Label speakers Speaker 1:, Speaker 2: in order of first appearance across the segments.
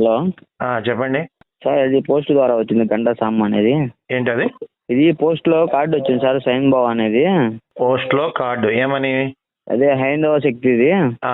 Speaker 1: Hello.
Speaker 2: చెప్పండి
Speaker 1: sir ఇది post ద్వారా వచ్చింది గంటా సామ్ అనేది.
Speaker 2: ఏంటది?
Speaker 1: ఇది పోస్ట్లో కార్డు వచ్చింది సార్, సైన్ బావ్ అనేది.
Speaker 2: పోస్ట్లో కార్డు ఏమని?
Speaker 1: అదే హైందవ శక్తిది.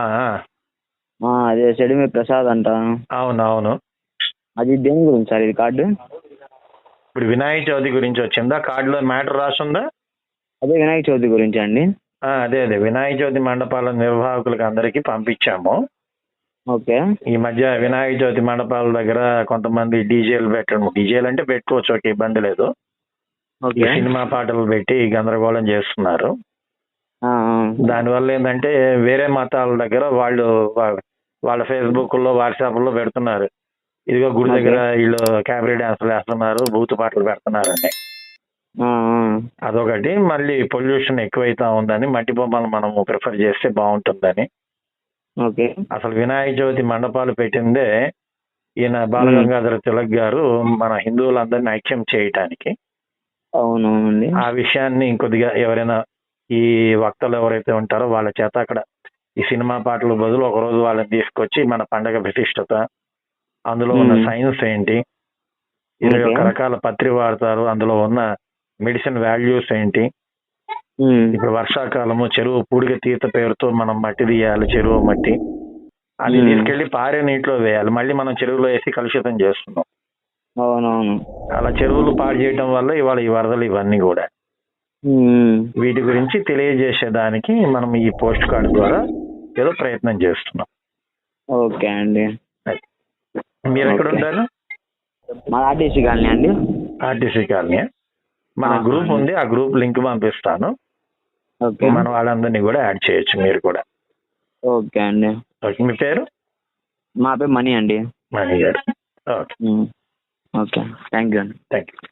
Speaker 1: అదే సెడిమి ప్రసాద్ అంట.
Speaker 2: అవునవును.
Speaker 1: అది దేని గురించి సార్ ఇది కార్డు?
Speaker 2: ఇప్పుడు వినాయక చవితి గురించి వచ్చిందా? కార్డులో మ్యాటర్ రాసుందా?
Speaker 1: అదే వినాయక చవితి గురించి అండి.
Speaker 2: అదే వినాయక చవితి మండపాల నిర్వాహకులకు అందరికీ పంపించాము.
Speaker 1: ఓకే.
Speaker 2: ఈ మధ్య వినాయక చవితి మండపాల దగ్గర కొంతమంది డీజేలు పెట్టడం, డీజేలు అంటే పెట్టుకోవచ్చు, ఒక ఇబ్బంది లేదు. ఈ సినిమా పాటలు పెట్టి గందరగోళం చేస్తున్నారు. దానివల్ల ఏంటంటే వేరే మతాల దగ్గర వాళ్ళు వాళ్ళ ఫేస్బుక్ లో వాట్సాప్ లో పెడుతున్నారు, ఇదిగో గుడి దగ్గర వీళ్ళు క్యాబరీ డాన్సులు వేస్తున్నారు, బూతు పాటలు పెడుతున్నారండి. అదొకటి. మళ్ళీ పొల్యూషన్ ఎక్కువైతా ఉందని మట్టి బొమ్మలు మనము ప్రిఫర్ చేస్తే బాగుంటుందని. అసలు వినాయక చవితి మండపాలు పెట్టిందే ఈయన బాలగంగాధర తిలక్ గారు మన హిందువులందరినీ ఐక్యం చేయటానికి.
Speaker 1: అవునవునండి.
Speaker 2: ఆ విషయాన్ని ఇంకొద్దిగా ఎవరైనా ఈ వక్తలు ఎవరైతే ఉంటారో వాళ్ళ చేత అక్కడ ఈ సినిమా పాటల బదులు ఒకరోజు వాళ్ళని తీసుకొచ్చి మన పండగ ప్రతిష్టత, అందులో ఉన్న సైన్స్ ఏంటి, 21 రకాల పత్రి వాడతారు, అందులో ఉన్న మెడిసిన్ వాల్యూస్ ఏంటి, ఇప్పుడు వర్షాకాలము చెరువు పూడిక తీత పేరుతో మనం మట్టి తీయాలి, చెరువు మట్టి అది తీసుకెళ్లి పారే నీటిలో వేయాలి, మళ్ళీ మనం చెరువులో వేసి కలుషితం చేస్తున్నాం.
Speaker 1: అవునవును.
Speaker 2: అలా చెరువులు పాడు చేయడం వల్ల ఇవాళ ఈ వరదలు ఇవన్నీ కూడా. వీటి గురించి తెలియజేసేదానికి మనం ఈ పోస్ట్ కార్డు ద్వారా ఏదో ప్రయత్నం చేస్తున్నాం.
Speaker 1: ఓకే అండి.
Speaker 2: మీరు ఎక్కడ ఉంటారు?
Speaker 1: మా ఆర్టీసీ కాలనీ అండి.
Speaker 2: RTC colony. మన గ్రూప్ ఉంది, ఆ గ్రూప్ లింక్ పంపిస్తాను. మన వాళ్ళందరినీ కూడా యాడ్ చేయొచ్చు మీరు కూడా.
Speaker 1: ఓకే అండి.
Speaker 2: ఓకే. మీ పేరు?
Speaker 1: మా పేరు మణి అండి.
Speaker 2: Mani garu. Okay.
Speaker 1: Okay, thank you అండి.
Speaker 2: Thank you.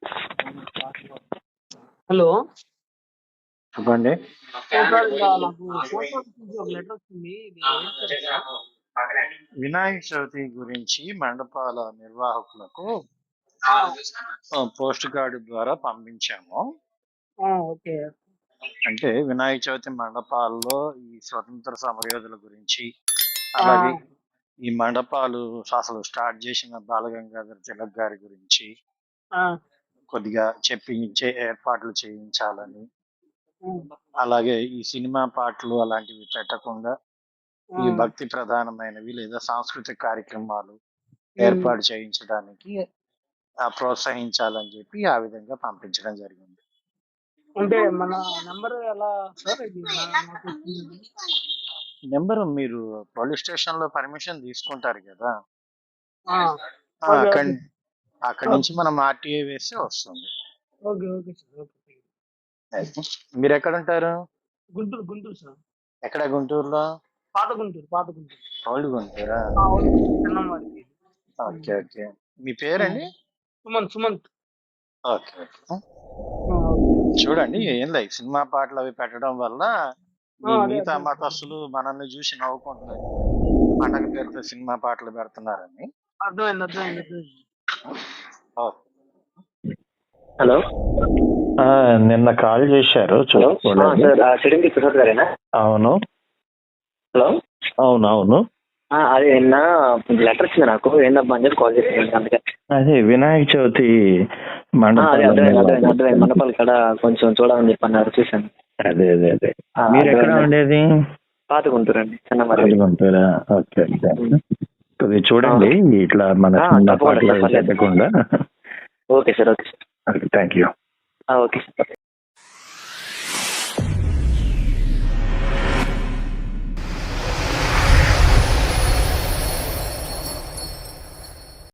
Speaker 3: హలో,
Speaker 2: చెప్పండి. వినాయక చవితి గురించి మండపాల నిర్వాహకులకు పోస్ట్ కార్డు ద్వారా పంపించాము. అంటే వినాయక చవితి మండపాల్లో ఈ స్వతంత్ర సమరయోధుల గురించి, అలాగే ఈ మండపాలు అసలు స్టార్ట్ చేసిన బాలగంగాధర తిలక్ గారి గురించి కొద్దిగా చెప్పించే ఏర్పాట్లు చేయించాలని, అలాగే ఈ సినిమా పాటలు అలాంటివి పెట్టకుండా ఈ భక్తి ప్రధానమైనవి లేదా సాంస్కృతిక కార్యక్రమాలు ఏర్పాటు చేయించడానికి ప్రోత్సహించాలని చెప్పి ఆ విధంగా పంపించడం జరిగింది.
Speaker 3: అంటే మన నెంబర్ ఎలా సార్?
Speaker 2: నెంబరు మీరు పోలీస్ స్టేషన్ లో పర్మిషన్ తీసుకుంటారు కదా, అక్కడి నుంచి మనం ఆర్టీఏ వేస్తే వస్తుంది. మీరు ఎక్కడ ఉంటారు?
Speaker 3: గుంటూరు సార్.
Speaker 2: ఎక్కడ గుంటూరులో?
Speaker 3: పాత గుంటూరు.
Speaker 2: ఓల్డ్ గుంటూరా? Okay okay. మీ పేరండి?
Speaker 3: సుమంత్.
Speaker 2: Okay okay. చూడండి, ఏం లేదు, సినిమా పాటలు అవి పెట్టడం వల్ల ఈ మిగతా మతస్థులు మనల్ని చూసి నవ్వుకుంటున్నారు, పండగ పేరుతో సినిమా పాటలు పెడుతున్నారని.
Speaker 3: అర్థమైంది.
Speaker 1: హలో.
Speaker 2: నిన్న కాల్ చేశారు. అవును.
Speaker 1: హలో.
Speaker 2: అవునవును.
Speaker 1: అదే నిన్న లెటర్ వచ్చింది నాకు, ఏందబ్బా అని చెప్పి కాల్ చేశాను. అందుకే
Speaker 2: అదే వినాయక చవితి
Speaker 1: మండపాలు ఇక్కడ కొంచెం చూడాలని చెప్పి అన్నారు, చూశాను.
Speaker 2: అదే మీరు ఎక్కడ ఉండేది?
Speaker 1: పాత గుంటూరు అండి.
Speaker 2: గుంటూరా? ఓకే. కొద్దిగా చూడండి ఇట్లా మన పెట్టకుండా.
Speaker 1: Okay sir.
Speaker 2: Thank you.
Speaker 1: Okay sir.